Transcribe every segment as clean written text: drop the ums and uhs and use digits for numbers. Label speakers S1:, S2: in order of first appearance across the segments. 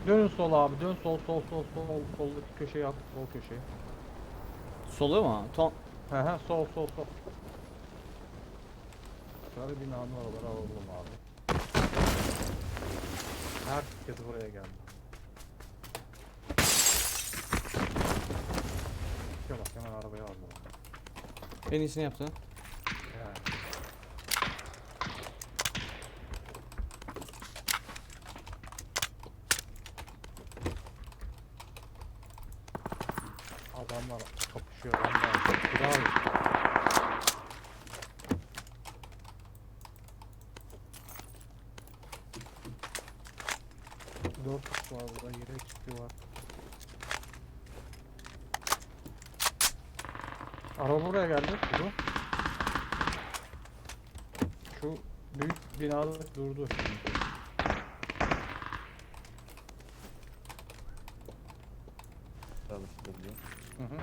S1: Dönün sol abi, dön sol sol sol sol soldaki köşeye at, sol köşeye.
S2: Solu mu?
S1: He he, sol sol sol. Sarı binanın oraları alalım abi. Herkes buraya geldi. Ya bak hemen arabaya aldım.
S2: En iyisini yaptı.
S1: Yani. Adamlar kapışıyor. Adamlar. Bravo. Dört kişi var burada. Yere kişi var. Araba buraya geldi. Durdu. Şu büyük binada durdu.
S3: Çalıştırıyor.
S1: Hı hı.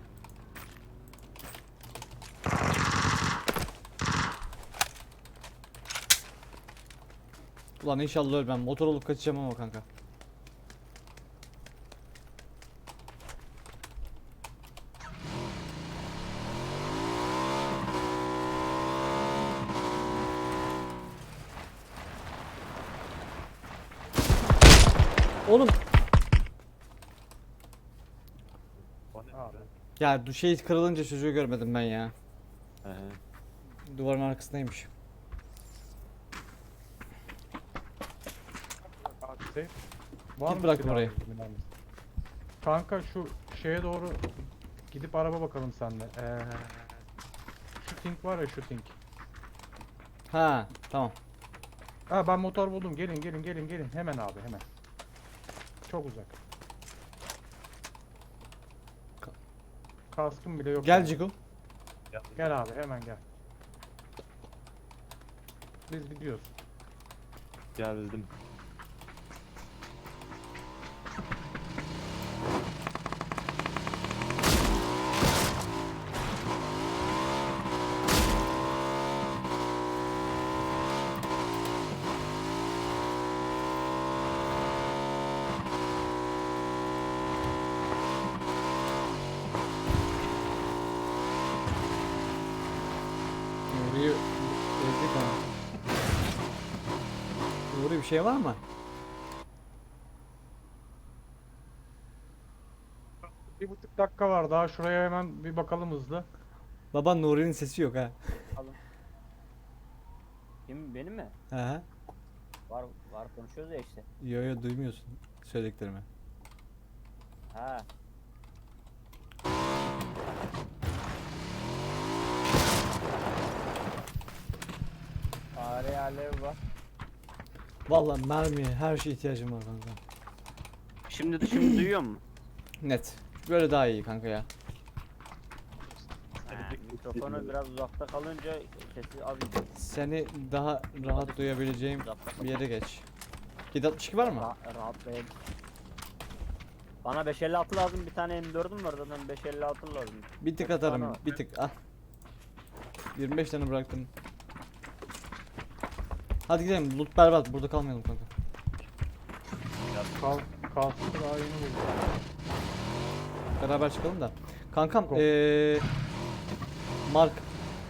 S2: Ulan inşallah ölmem. Motor olup kaçacağım ama kanka. Oğlum
S3: O ne
S1: Abi.
S3: be?
S2: ya şey kırılınca çocuğu görmedim ben ya.
S3: He he.
S2: Duvarın arkasındaymış.
S1: Abi safe. Var
S2: Git
S1: mı
S2: bıraktım
S1: silah
S2: orayı.
S1: bilmem ne? Kanka şu şeye doğru gidip araba bakalım seninle. Şu Tink var ya, şu Tink.
S2: Ha tamam.
S1: Ha, ben motor buldum. Gelin gelin gelin gelin. Hemen abi hemen. Çok uzak. Kaskım bile yok.
S2: Gel
S1: yani.
S2: Ciku.
S1: Gel abi hemen gel. Biz gidiyoruz.
S3: Geldim.
S2: Nuri'yi ezdik ama. Nuri bir şey var mı?
S1: Bir buçuk dakika var daha. Şuraya hemen bir bakalım hızlı.
S2: Baba Nuri'nin sesi yok ha.
S4: Alın. Kim benim mi?
S2: Ha.
S4: Var var konuşuyoruz ya işte.
S2: Yo yo duymuyorsun söylediklerimi.
S4: Ha. Fare alev var.
S2: Vallahi mermiye her şeye ihtiyacım var kanka.
S4: Şimdi duyuyor mu?
S2: Net. Böyle daha iyi kanka ya.
S4: Mikrofonu biraz uzakta kalınca sesi az gidiyor.
S2: Seni daha rahat duyabileceğim
S4: Uzakta
S2: bir yere geç. 762 var mı?
S4: Rahatlayayım. Bana 556 lazım, bir tane M4'üm var zaten 556 lazım.
S2: Bir tık
S4: Kaç tane
S2: atarım.
S4: var?
S2: Bir tık al. 25 tane bıraktım. Hadi gidelim. Loot berbat. Burada kalmayalım kanka.
S1: Kaskı daha yeni buldum.
S2: Beraber çıkalım da. Kankam
S1: Go.
S2: Mark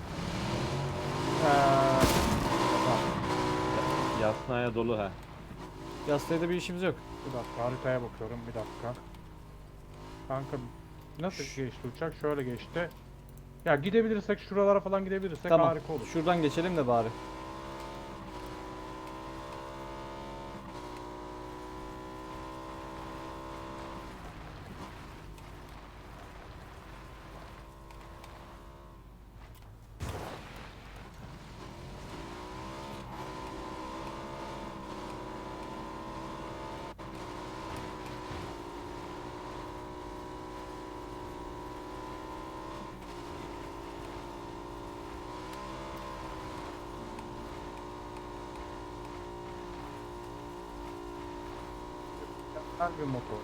S1: Tamam.
S3: Yasnaya dolu ha.
S2: Yastayda bir işimiz yok.
S1: Bir dakika haritaya bakıyorum, bir dakika. Kanka nasıl geçti uçak? Şöyle geçti. Ya gidebilirsek şuralara falan gidebilirsek
S2: Tamam.
S1: harika olur.
S2: Şuradan geçelim de bari.
S1: Her bir motor.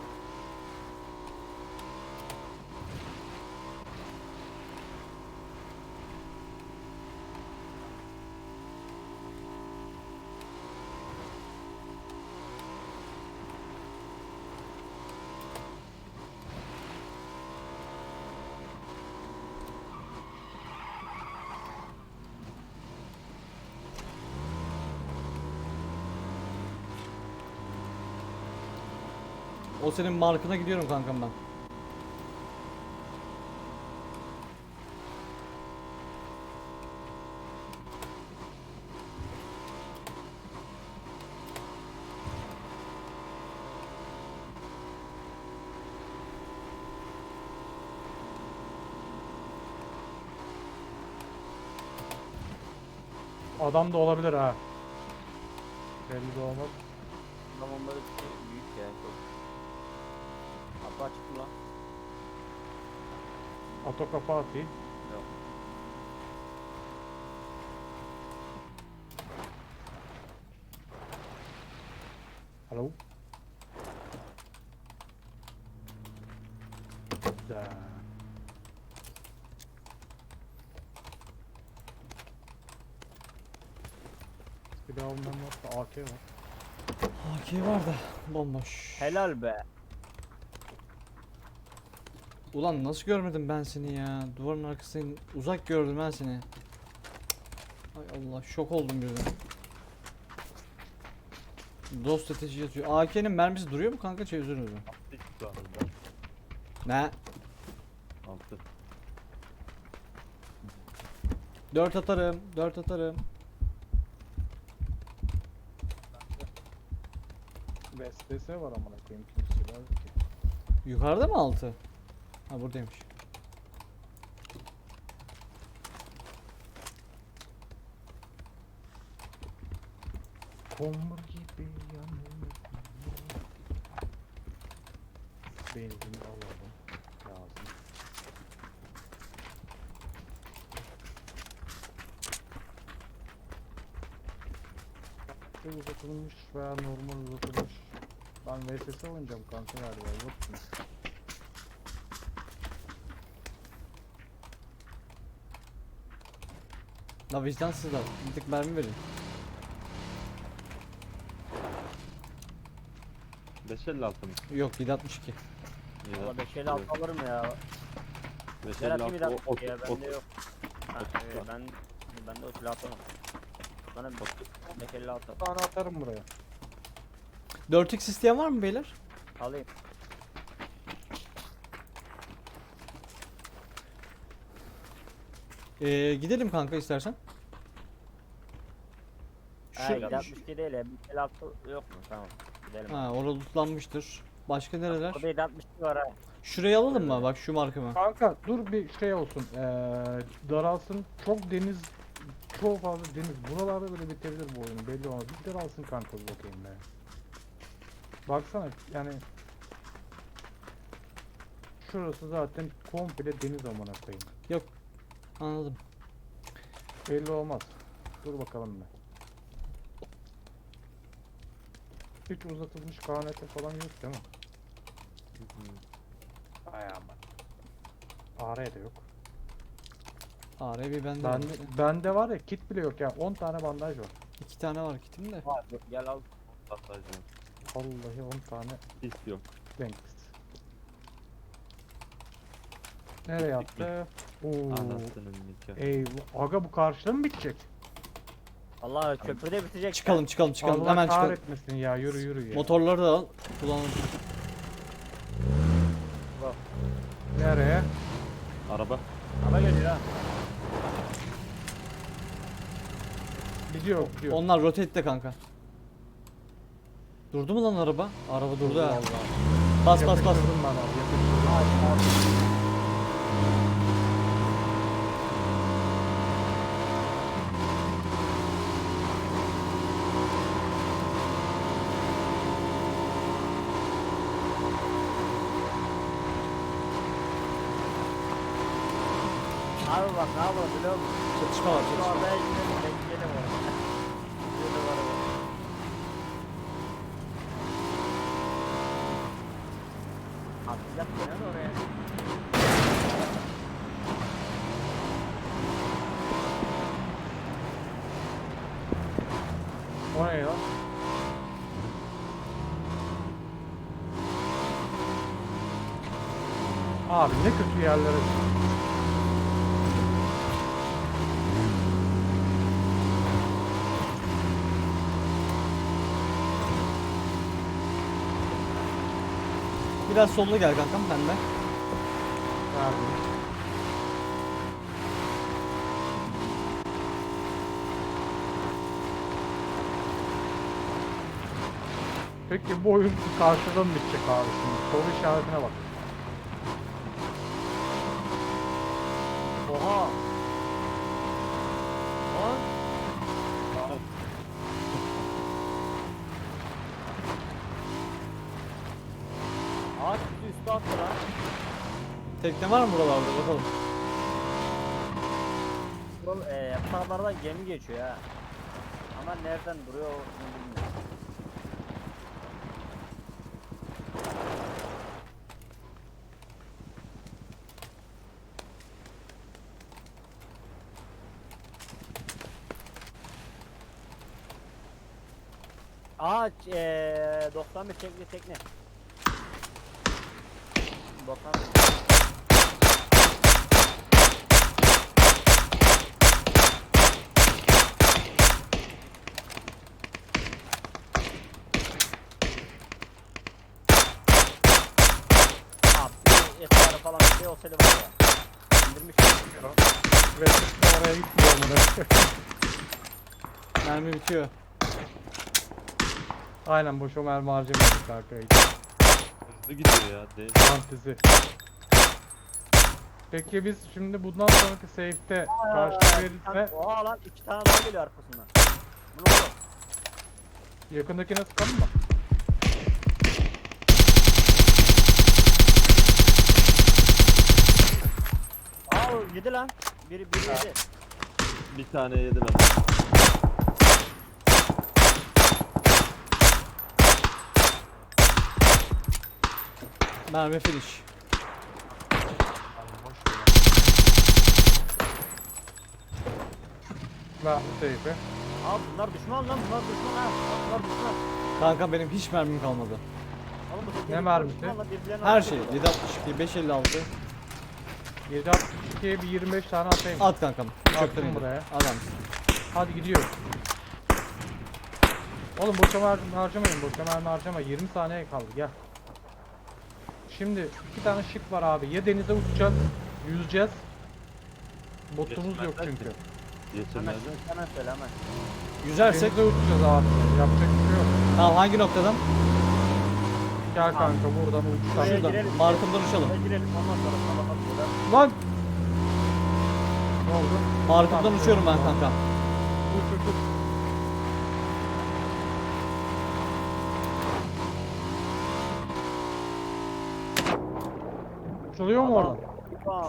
S2: O senin markına gidiyorum kankam ben.
S1: Adam da olabilir ha. Belli de olmaz.
S4: Zamanları büyük ya. Çok. Kapı açık mı lan?
S1: Ato kafa atayım.
S4: Yok.
S1: Alo. Güzel. Bir daha ondan varsa AK var.
S2: AK var da bomboş.
S4: Helal be.
S2: Ulan nasıl görmedim ben seni ya? Duvarın arkasından uzak gördüm ben seni. Ay Allah, şok oldum birden. Dost ateşi yatıyor. AK'nin mermisi duruyor mu kanka, çeviriyoruz mu?
S3: Hiç şu anda.
S2: Ne?
S3: 6.
S2: 4 atarım, 4 atarım.
S1: VSS var amına koyayım, kimse var ki.
S2: Yukarıda mı 6? Ha, buradaymış.
S1: Komur gibi yanıyor. Benzin alalım. Lazım. Uzatılmış veya normal uzatılmış. Ben VSS oynayacağım kanka galiba, yok mu?
S2: La vicdansızlar. Bir tık mermi verin.
S3: 556 mı?
S2: Yok, 762.
S3: Ya,
S4: Valla 556 alırım ya. Gel atayım bir
S3: 556
S4: dakika ya, bende yok. Ha,
S3: otuz
S4: evet,
S3: var.
S4: bende o silah atamam. Bana 556
S1: Bir tane atarım buraya.
S2: 4x isteyen var mı beyler?
S4: alayım.
S2: Gidelim kanka istersen.
S4: Ha,
S2: Şu,
S4: 762 değil ya, 556 yok mu? Tamam. Gidelim.
S2: ha, orada lootlanmıştır. Başka nereler?
S4: Orada 762 var ha.
S2: Şurayı alalım mı? Bak şu markımı.
S1: Kanka dur bir şey olsun. Daralsın. Çok deniz, çok fazla deniz. Buralarda böyle bitebilir bu oyun. Belli olmaz. Bir daralsın kanka, bir bakayım be. Baksana yani. Şurası zaten komple deniz amına koyayım.
S2: Anladım.
S1: Belli olmaz. Dur bakalım be. Hiç uzatılmış KNT falan yok değil mi? Ay aman. AR de yok.
S2: AR bende
S1: Ben,
S2: var.
S1: bende var ya, kit bile yok ya. 10 tane bandaj var.
S2: 2 tane var kitim de.
S4: Var, gel al.
S3: Patlayacağım.
S1: Vallahi 10 tane
S3: Hiç yok.
S1: Dentist. Nereye attı? Oo.
S3: Anasının nikahı.
S1: Eyvah. Aga bu karşıda mı bitecek?
S4: Allah köprüde bitecek.
S2: Çıkalım çıkalım çıkalım.
S1: Allah
S2: Hemen çıkalım.
S1: kahretmesin ya, yürü yürü ya.
S2: Motorları da al. Kullanalım.
S1: Nereye?
S3: Araba.
S4: Hava geliyor ha.
S1: Gidiyor gidiyor.
S2: Onlar rotate'de kanka. Durdu mu lan araba? Araba durdu ha. Bas bas bas.
S1: Yapıştırdım ben abi, yapıştırdım.
S4: Abi bak ne yapalım biliyor musun?
S2: Çatışma var
S4: Şu
S2: çatışma.
S4: adaya gidelim, bekleyelim orada. Şurada var araba. Atlayacak gene de oraya.
S1: O ne lan? Abi ne kötü yerlere.
S2: biraz sollu gel kankam benimle.
S1: Verdim. Peki bu oyun karşıda mı bitecek abi şimdi? Soru işaretine bak.
S4: Oha. Lan. Ağaç bizi üstü attı lan.
S2: Tekne var mı buralarda bakalım.
S4: Bu yapraklardan gemi geçiyor ha. Ama nereden duruyor onu bilmiyorum. Ağaç 91 çekli tekne. 91. Abi etrafı falan bir şey olsaydı var ya. İndirmiş.
S1: Ve işte oraya gitmiyor mu?
S2: Mermi bitiyor.
S1: Aynen boşa mermi harcamadık kanka.
S3: Hızlı gidiyor ya. Değil.
S1: Fantezi. Peki biz şimdi bundan sonraki save'te karşı verirse
S4: Oha lan 2 tane daha geliyor arkasından. Bu ne oğlum?
S1: yakındakine sıkalım mı?
S4: Aa yedi lan. Biri yedi.
S3: Bir tane yediler.
S2: Mermi finish.
S1: Ver bu safe'e.
S4: Aa bunlar düşman lan bunlar düşman ha. Bunlar düşman.
S2: Kanka benim hiç mermim kalmadı.
S4: Oğlum bu
S1: Ne
S4: teknelik
S1: mermisi?
S4: düşman lan, birbirlerine
S2: Her
S4: atıyor.
S2: şey 762 556
S1: 762'ye bir 25 tane atayım.
S2: at kankam.
S1: Attım
S2: Çöpten indir.
S1: buraya.
S2: Adam.
S1: Hadi gidiyoruz. Oğlum boşa mermi harcamayın, boşa mermi harcama. 20 saniye kaldı, gel. Şimdi iki tane şık var abi. Ya denize uçacağız, yüzeceğiz. Botumuz yok
S3: Geçmezler
S1: çünkü.
S4: Hemen,
S3: Geçirmezler.
S4: hemen söyle hemen.
S2: Yüzersek
S1: Denize uçacağız abi. Yapacak bir şey yok.
S2: tamam hangi noktadan?
S1: Gel kanka buradan uçtan.
S4: Buraya
S2: Şuradan.
S4: girelim.
S2: Markımdan uçalım.
S4: Buraya girelim ondan sonra sana bakalım.
S1: Lan! Ne oldu?
S2: Markımdan
S1: Tamam,
S2: uçuyorum ben
S1: tamam.
S2: kanka.
S1: Uç uç uç. Uçuluyor mu oradan?
S4: Tamam.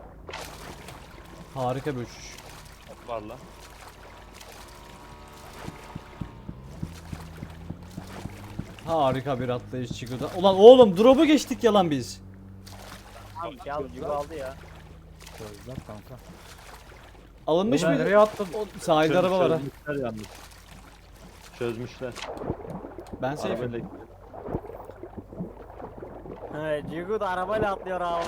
S2: Harika bir uçuş.
S3: Var lan.
S2: Harika bir atlayış çıkıyordu. Ulan oğlum drop'u geçtik yalan biz.
S4: Tamam ya bu gibi aldı ya.
S1: Gözler kanka.
S2: Alınmış
S1: Ulan
S2: mıydı?
S1: nereye attın?
S2: O sahilde araba var ha.
S3: Çözmüşler yalnız. Çözmüşler.
S2: Ben safe'im.
S3: Arabayla gidiyor.
S4: Evet Cigu da arabayla atlıyor abi.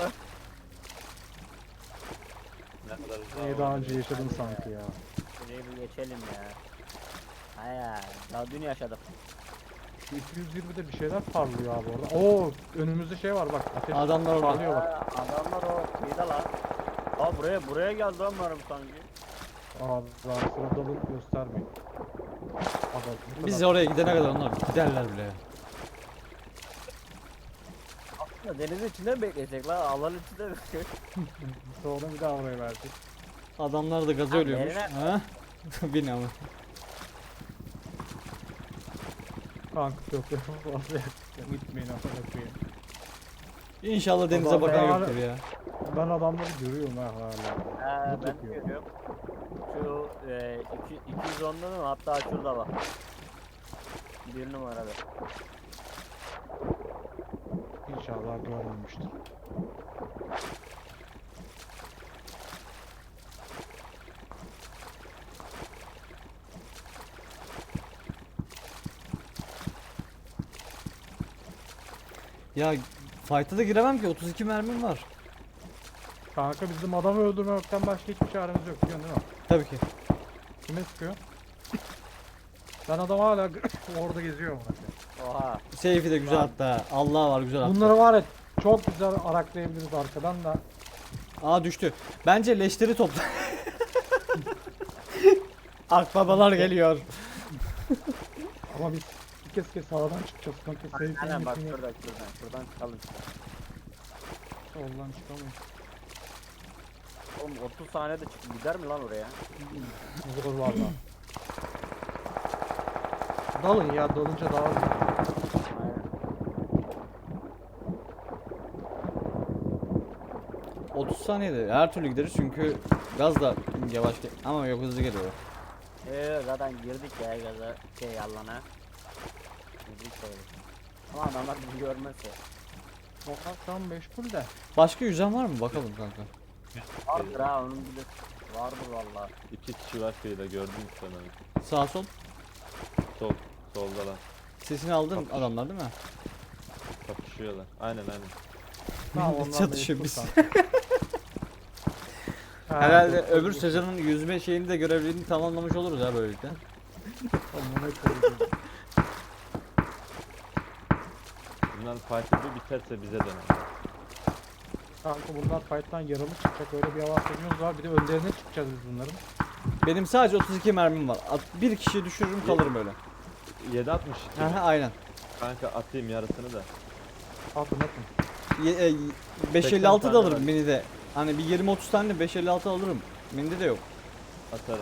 S3: Ne kadar
S1: Neyi daha önce yaşadım sanki ya.
S4: Şurayı bir geçelim ya. Hayır. Daha dün yaşadık.
S1: Şu 220'de bir şeyler parlıyor abi orada. Oo önümüzde şey var bak. Ateş
S2: Adamlar orada.
S1: parlıyor bak.
S4: Adamlar o kıyıda lan. Aa buraya geldi onlarım sanki.
S1: Abi daha sırada alıp göstermeyin. Adam, bu
S2: Biz
S1: kadar.
S2: oraya gidene kadar onlar giderler bile.
S4: Aslında denizin içinde mi bekleyecek lan? Alanın içinde mi bekleyecek?
S1: Sonra bir daha oraya verecek.
S2: Adamlar da gazı
S4: Abi
S2: ölüyormuş.
S4: yerine-
S2: Ha? Bin ama.
S1: Kanka çok fazla yakın. Gitmeyin amına koyayım.
S2: İnşallah denize
S1: Adam
S2: bakan
S1: ya-
S2: yoktur ya.
S1: Ben adamları görüyorum ha hala. Mut
S4: Ben
S1: yapıyor.
S4: görüyorum. Şu 210'da mı? Hatta şurada bak. Bir numarada.
S1: İnşallah görmemiştir.
S2: Ya fight'a da giremem ki 32 mermim var.
S1: Kanka bizim adamı öldürmekten başka hiçbir çaremiz yok biliyorsun değil mi?
S2: Tabii ki.
S1: Kime sıkıyor? Ben adam hala orada geziyor amına koyayım.
S4: Oha.
S2: Seyfi de güzel
S4: Tamam.
S2: hatta. Allah var güzel hatta.
S1: Bunları var ya çok güzel araklayabiliriz arkadan da.
S2: Aa düştü. Bence leşleri topla. Akbabalar geliyor.
S1: Ama biz bir kez sağdan çıkacağız kanka.
S4: Aynen bak
S1: Seyfinin
S4: şuradan çıkalım.
S1: soldan çıkamayız.
S4: Oğlum 30 saniyede çık gider mi lan oraya?
S1: Zor valla. Dalın ya, dalınca daha hızlı.
S4: Aynen.
S2: 30 saniyede her türlü gideriz çünkü gaz da yavaş ama yok hızlı geliyor.
S4: Zaten girdik ya gaza yallana. Girdik öyle. Ama adamlar bizi görmezse.
S1: Sokak şu an meşgul de.
S2: Başka yüzen var mı bakalım kanka.
S4: Vardır ha onun bir de vardır valla.
S3: 2 kişi var kıyıda gördün mü sen onu?
S2: Sağ sol.
S3: Solda lan.
S2: Sesini aldın
S3: Kapış.
S2: adamlar değil mi?
S3: Kapışıyorlar. Aynen.
S1: Tamam,
S2: Millet
S1: ondan
S2: çatışıyor
S1: meşgul
S2: biz.
S1: kanka. Ha,
S2: Herhalde
S1: çok
S2: öbür
S1: iyi.
S2: sezonun yüzme şeyini de görevlerini tamamlamış oluruz ha böylelikle.
S1: Amına koyayım.
S3: Bunlar fight'ı bir biterse bize döner.
S1: Kanka bunlar fight'tan yaralı çıkacak, öyle bir avantajımız var. Bir de önlerine çıkacağız biz bunların.
S2: Benim sadece 32 mermim var. Bir kişi düşürürüm kalırım böyle.
S3: 7.62.
S2: Aha aynen.
S3: Kanka atayım yarısını da.
S1: Atın atın.
S2: 556
S3: tane
S2: da alırım
S3: var.
S2: minide. Hani bir 20-30 tane de 556 alırım. Minide de yok.
S3: Atarım.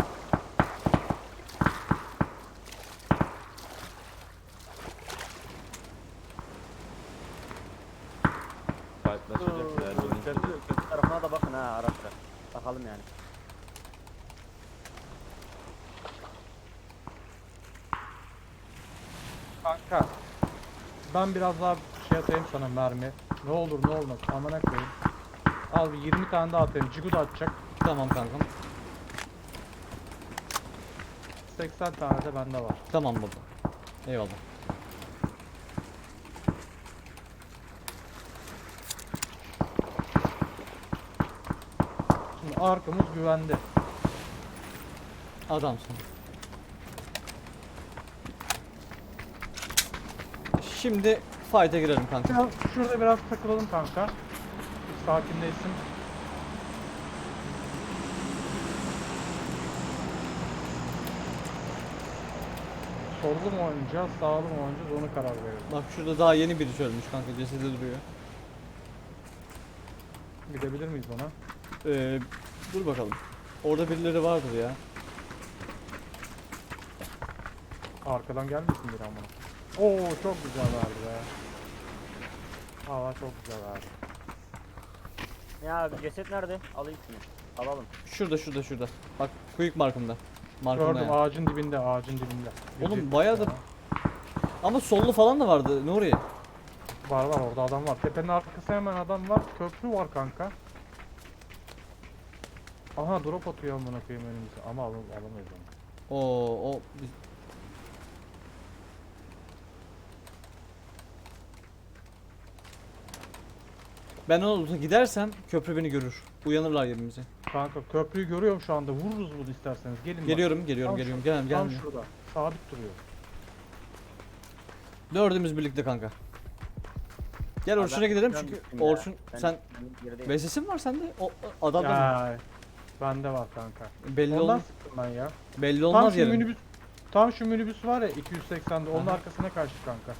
S3: Fight'laşacak ya.
S4: Köprü tarafına da bakın ha ara sıra. Bakalım yani.
S1: Kanka. Ben biraz daha şey atayım sana, mermi. Ne olur ne olmaz. Amına koyayım. Al bir 20 tane daha atayım. Cigu da atacak.
S2: Tamam kankam.
S1: 80 tane de bende var.
S2: Tamam baba. Eyvallah.
S1: Şimdi arkamız güvende.
S2: Adamsın. Şimdi fight'e girelim kanka.
S1: Şurada biraz takılalım kanka. Bir sakinleşsin. Sollu mu oynayacağız, sağlı mı oynayacağız, ona karar verelim.
S2: Bak şurada daha yeni biri ölmüş kanka, cesedi duruyor.
S1: Gidebilir miyiz ona?
S2: Dur bakalım. Orada birileri vardır ya.
S1: Arkadan gelmesin bir ama. Oo çok güzel verdi be. Hava çok güzel verdi.
S4: Ya ceset nerede? Alayım şunu. Alalım.
S2: Şurada. Bak quick markımda. Markımda
S1: Gördüm,
S2: yani.
S1: ağacın dibinde, ağacın dibinde.
S2: Oğlum,
S1: 170
S2: bayağıdır-
S1: ya.
S2: Ama sollu falan da vardı Nuri.
S1: Var orada adam var. Tepenin arkası hemen adam var. Köprü var kanka. Aha drop atıyor amına koyayım önümüze. Ama alamayız onu.
S2: O ben ona gidersem köprü beni görür. Uyanırlar yerimize.
S1: Kanka köprüyü görüyorum şu anda. Vururuz bunu isterseniz. Gelin bak.
S2: Geliyorum.
S1: Tam
S2: Gelem
S1: Tam
S2: gelmiyor.
S1: şurada. Sabit duruyor.
S2: Dördümüz birlikte kanka. Gel Orçun'a gidelim çünkü Orçun sen VSS'in var sende. Adam da
S1: Ya, bende var kanka.
S2: belli
S1: Ondan
S2: olmaz.
S1: sıktım ben ya.
S2: Belli
S1: Tam
S2: olmaz
S1: şu
S2: yarın.
S1: minibüs. Tam şu minibüs var ya 280'de. Onun
S2: Aha.
S1: arkasına karşı kanka.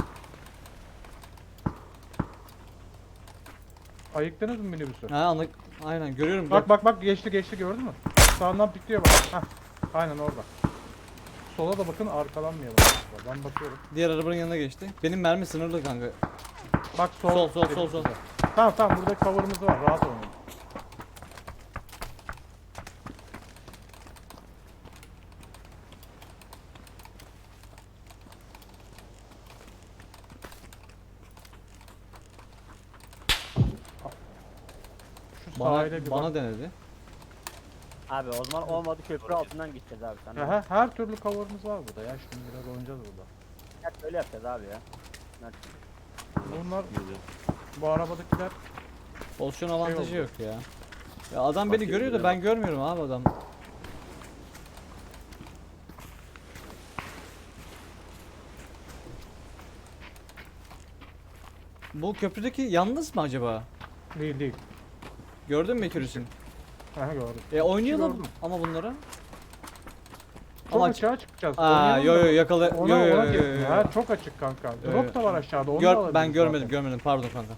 S1: Ayıktınız mı minibüsü?
S2: Ha aynen görüyorum.
S1: Bak geçti gördün mü? Sağından pikliyor bak. Heh. Aynen orada. Sola da bakın, arkalanmayalım. Ben bakıyorum.
S2: Diğer arabanın yanına geçti. Benim mermi sınırlı kanka.
S1: Bak
S2: Sol.
S1: dedim size. Tamam burada cover'ımız var, rahat olun. Şu sahile bir
S2: Bana
S1: bak.
S2: denedi.
S4: Abi o zaman olmadı köprü altından gideceğiz abi sen.
S1: Ya, her türlü cover'ımız var burada ya. Şimdi biraz oynayacağız burada.
S4: Ya öyle yapacağız abi ya.
S1: Bunlar,
S3: Geliyor.
S1: bu arabadakiler
S2: Pozisyon avantajı
S1: oldu.
S2: yok ya. Ya adam beni
S3: Bak,
S2: görüyor da
S3: bak.
S2: ben görmüyorum abi adam. Bu köprüdeki yalnız mı acaba?
S1: Değil değil.
S2: Gördün mü Ekürüs'ün?
S1: Aha gördüm.
S2: Oynayalım
S1: Gördüm.
S2: ama bunlara.
S1: Çok
S2: Ama
S1: açığa çıkacağız.
S2: Aa
S1: Oynayalım
S2: yo
S1: da
S2: yo yakala.
S1: Ona,
S2: Yo yo
S1: ona
S2: yo,
S1: kesin
S2: yo,
S1: ya.
S2: yo.
S1: Ha, çok açık kanka.
S2: Yo,
S1: Drop da var aşağıda. Onu da
S2: Ben
S1: alabiliriz
S2: görmedim
S1: zaten.
S2: görmedim pardon kanka.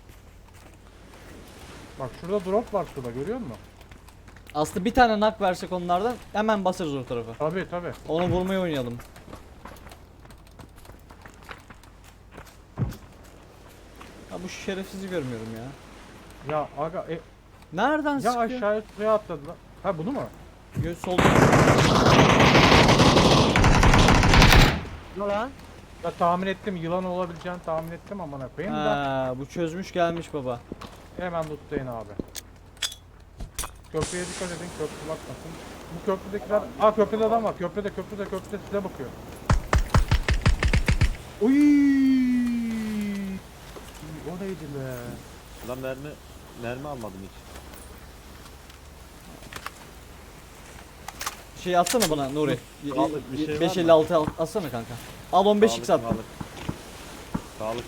S1: Bak şurada drop var suda görüyor musun?
S2: Aslında bir tane nak versek onlardan hemen basarız o tarafa.
S1: Tabii tabii.
S2: Onu vurmayı oynayalım. Ha bu şerefsizi görmüyorum ya.
S1: Ya aga
S2: Nereden
S1: ya
S2: sıkıyor?
S1: aşağıya suya atladılar. Ha bunu mu?
S2: Solda.
S4: Ne lan?
S1: Ya tahmin ettim yılan olabileceğini tahmin ettim amına koyayım da
S2: Ha bu çözmüş gelmiş baba.
S1: hemen lootlayın abi. Köprüye dikkat edin köprü bakmasın. Bu köprüdekiler... Aa köprüde adam var köprüde size bakıyor. Uy! O neydi be?
S3: Lan mermi almadım hiç.
S2: Şey atsana bana Nuri.
S3: Sağlık bir şey var mı?
S2: 556 atsana kanka. Al 15x at.
S3: Sağlık.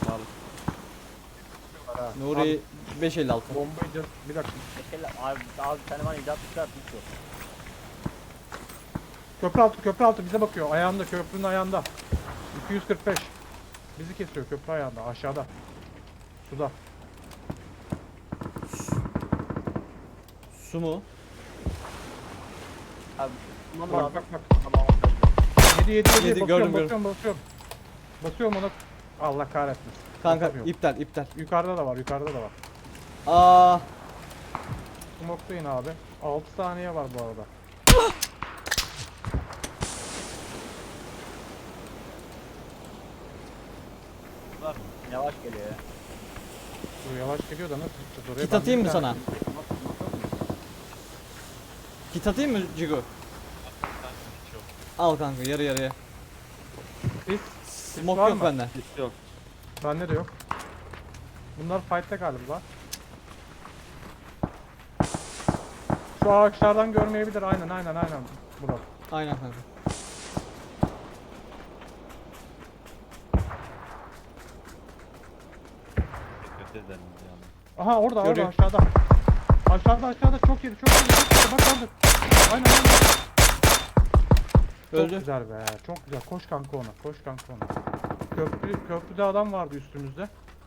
S1: Ha,
S2: Nuri 556.
S1: abi, bombayı bir dakika.
S4: Mesela abi bir tane var icat hiç yok.
S1: Köprü altı bize bakıyor. Ayağında köprünün ayağında. 245. Bizi kesiyor köprü ayağında aşağıda. Suda.
S2: Su mu?
S4: Abi tamam
S1: Bak
S4: lazım.
S1: bak bak.
S4: Tamam.
S1: 7
S2: Yedi,
S1: basıyorum,
S2: gördüm,
S1: basıyorum. Basıyorum ona. Allah kahretsin.
S2: Kanka
S1: Basamıyorum.
S2: iptal.
S1: Yukarıda da var.
S2: Aa
S1: Smoke'layın abi. 6 saniye var bu arada.
S4: Yavaş geliyor ya.
S1: Bu yavaş geliyor da nasıl gideceğiz oraya?
S2: kit
S1: Ben
S2: atayım
S1: bir
S2: mı
S1: tane-
S2: sana? Kit atayım mı Cigo? Al kanka yarı yarıya.
S1: Biz
S2: Smoke
S1: var
S2: yok
S1: mı?
S2: bende.
S3: Hiç yok.
S1: Bende de yok. Bunlar fight'te galiba. Şu ağaçlardan görmeyebilir. Aynen. Murat.
S2: Aynen kanka.
S3: Kötü ederim yani.
S1: Aha orada
S2: Görüyor.
S1: aşağıda. Aşağıda çok yedi. Bak orada. Aynen. Çok
S2: Öldü.
S1: güzel be. Çok güzel. Koş kanka ona. Köprüde adam vardı üstümüzde.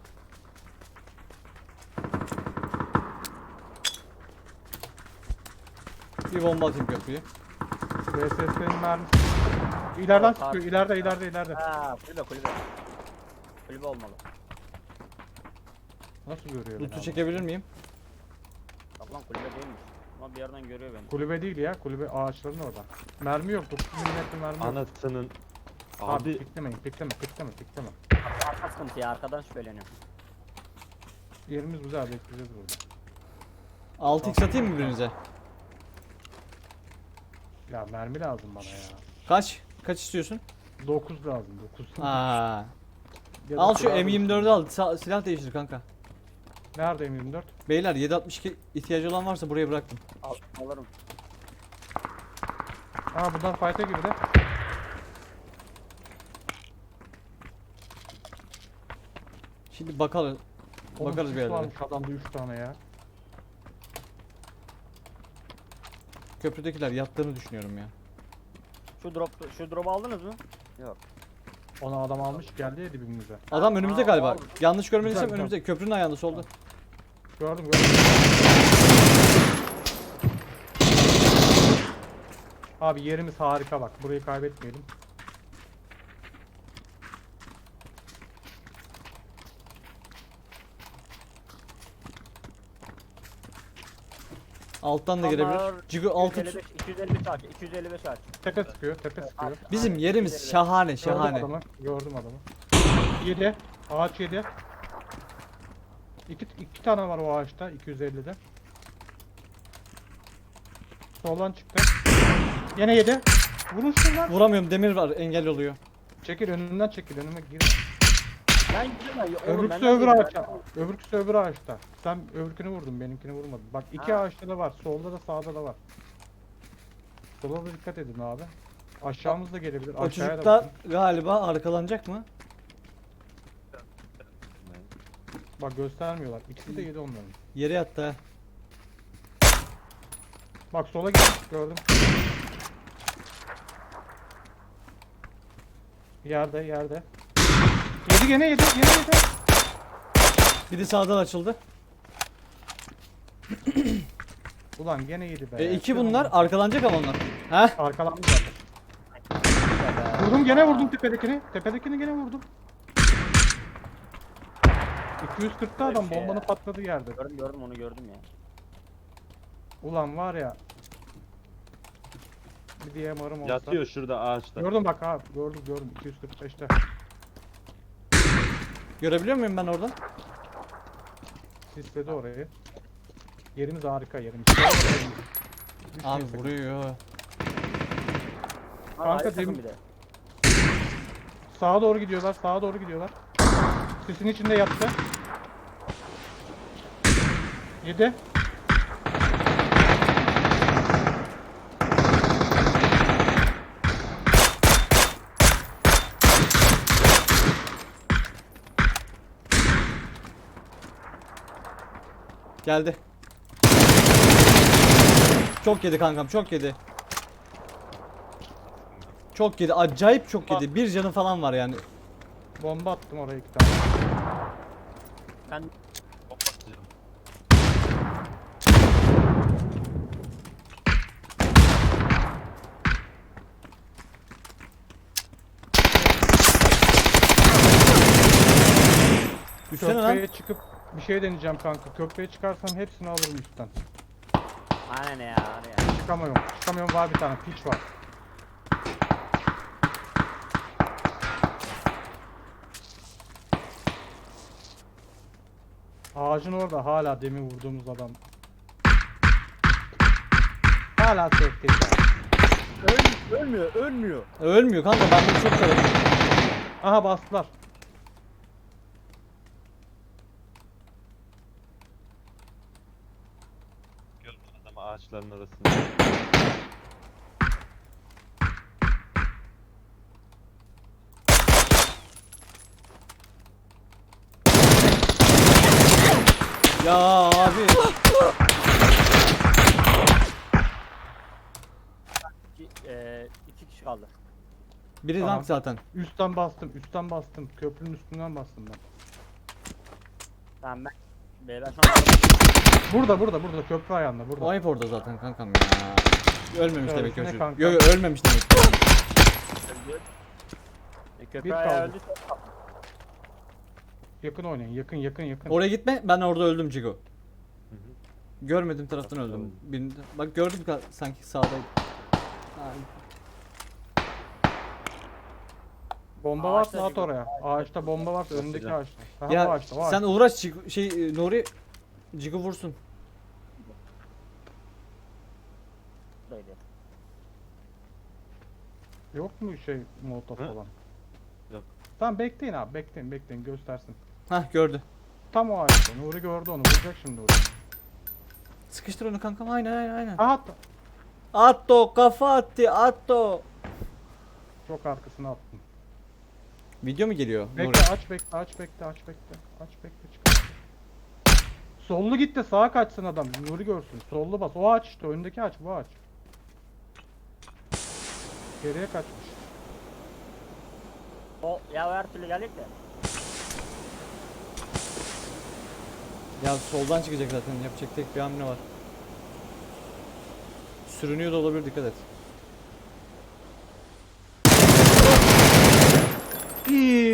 S2: Bir bomba atayım köprüye.
S1: VSS'nin mermisi. İleriden
S4: Tamam,
S1: sıkıyor. İleride.
S4: Ha kulübe. Kulübe olmalı.
S1: Nasıl görüyor beni
S2: Loot'u
S1: adam?
S2: çekebilir miyim?
S4: Bak lan kulübe değilmiş. Ama bir yerden görüyor beni.
S1: Kulübe değil ya. Kulübe ağaçların orada. Mermi yok. 9 milimetre mermi yok.
S3: Anasının
S1: Abi
S3: abi
S1: pikleme.
S4: Arka sıkıntı ya arkadan şüpheleniyorum.
S1: Yerimiz güzel. Bekleyeceğiz burada.
S2: 6x atayım mı birinize?
S1: Ya mermi lazım bana ya.
S2: Kaç? Kaç istiyorsun?
S1: 9 lazım. 9.
S2: Aa.
S1: Ya da
S2: Al şu
S1: silah
S2: M24'ü al. Silah değiştir kanka.
S1: Nerede M24?
S2: Beyler 762 ihtiyacı olan varsa buraya bıraktım.
S4: Alırım.
S1: Aa bunlar fight'e girdi.
S2: Şimdi bakalım.
S1: Oğlum
S2: Bakarız
S1: sis
S2: bir yerlere.
S1: varmış adamda 3 tane ya.
S2: Köprüdekiler yattığını düşünüyorum ya.
S4: Şu drop'u aldınız mı? Yok.
S1: Ona adam almış geldi ya dibimize.
S2: Adam önümüzde
S4: Aa,
S2: galiba.
S4: abi.
S2: Yanlış görmediysem
S1: Güzel,
S2: önümüzde. Köprünün ayağında solda.
S1: Gördüm. Abi yerimiz harika bak. Burayı kaybetmeyelim.
S2: Alttan da gelebilir. Cigo altı.
S4: 255 aç. 255 aç.
S1: Tepe sıkıyor.
S2: Bizim
S4: Aynen,
S2: yerimiz
S4: 255.
S2: şahane şahane.
S1: Gördüm adamı. 7. Ağaç 7. İki tane var o ağaçta 250'de. Soldan çıktı. Yine 7. Vurun şunlar.
S2: Vuramıyorum demir var engel oluyor.
S1: Çekil önünden çekil önüme gir.
S4: Ben gidiyorum ya.
S1: Öbürküsü öbür ağaçta. Öbürküsü öbür ağaçta. Sen öbürkünü vurdun benimkini vurmadın. Bak iki
S4: Ha.
S1: ağaçta da var. Solda da sağda da var. Sola da dikkat edin abi. Aşağımız da gelebilir.
S2: O
S1: Aşağıya
S2: çocuklar
S1: bakın.
S2: galiba arkalanacak mı?
S1: Bak göstermiyorlar. İkisi de yedi onların.
S2: Yere yattı ha.
S1: Bak sola gitmiş gördüm. Yerde yerde. Yedi gene yedi yedi.
S2: Biri sağdan açıldı.
S1: Ulan gene yedi be.
S2: İki bunlar arkalanacak ama onlar. Heh.
S1: Arkalandı zaten. Vurdum gene vurdum tepedekini. Tepedekini gene vurdum. 240'ta adam
S4: Şey ya.
S1: bombanın patladığı yerde.
S4: Gördüm onu gördüm ya.
S1: Ulan var ya. Bir diye marım olsa.
S3: Yatıyor şurada ağaçta.
S1: Gördüm bak abi. Gördüm 245'te.
S2: Görebiliyor muyum ben oradan?
S1: Sisledi orayı. Yerimiz harika yerimiz.
S2: Abi
S1: Düşmeyin
S2: vuruyor.
S4: Ha,
S1: Kanka,
S4: ayrı takım
S1: demin-
S4: bir de.
S1: Sağa doğru gidiyorlar. Sağa doğru gidiyorlar. Sisin içinde yattı. 7.
S2: Geldi. Çok yedi kankam, çok yedi. Çok yedi, acayip çok yedi. Bir canı falan var yani.
S1: Bomba attım oraya 2 tane.
S4: Ben
S2: Üstsene lan.
S1: Köprüye çıkıp bir şey deneyeceğim kanka. Köprüye çıkarsam hepsini alırım üstten.
S4: aynen ya. Var ya.
S1: Çıkamıyorum var bir tane piç var. Ağacın orada hala demin vurduğumuz adam. Hala safety.
S4: Ölmüyor.
S2: Ölmüyor kanka, ben bunu çok severim.
S1: Aha bastılar.
S3: Gördüm adamı ağaçların arasında.
S2: Ya abi.
S4: İki kişi kaldı.
S2: Biri
S1: Tamam.
S2: rank zaten.
S1: Üstten bastım. Köprünün üstünden bastım ben.
S4: Tamam ben. Ben şu an
S1: Burada köprü ayağında burada.
S2: O hep orada zaten kankam ya. Ölmemiş
S1: Ya,
S2: demek ki o
S1: ne
S2: çocuk.
S1: kanka?
S2: Yo ölmemiş demek.
S4: öldü. Köprü
S1: Bir
S4: ayağı
S1: kaldı.
S4: öldü.
S1: Yakın oynayın. Yakın.
S2: Oraya gitme, ben orada öldüm Cigo.
S3: Hı hı.
S2: Görmedim taraftan
S3: Taraftan
S2: öldüm.
S3: öldüm.
S2: Birinde. Bak gördüm sanki sağdaydı. Ay.
S1: Bomba
S4: Ağaçta
S1: varsa at
S4: gibi.
S1: oraya. Ağaçta bomba varsa önündeki
S3: Atacağım.
S1: ağaçta. Aha, bu
S2: Ya
S1: ağaçta,
S2: sen uğraş Nuri Cigo vursun.
S4: Buradaydı.
S1: Yok mu şey molotof
S3: Hı?
S1: falan?
S3: Yok.
S1: Tamam bekleyin abi bekleyin göstersin.
S2: Hah gördü.
S1: Tam o ağaçta. Nuri gördü onu vuracak şimdi Nuri.
S2: Sıkıştır onu kankam, aynen.
S1: Aha
S2: Atto kafa attı atto.
S1: çok arkasına attım.
S2: Video mu geliyor? Nuri?
S1: Bekle aç bekle çıkar. Sollu git de sağa kaçsın adam. Nuri görsün. Sollu bas. O ağaç işte önündeki ağaç bu ağaç. Geriye kaçmış.
S4: O ya her türlü geldik de.
S2: Ya soldan çıkacak zaten, yapacak tek bir hamle var. Sürünüyor da olabilir, dikkat et.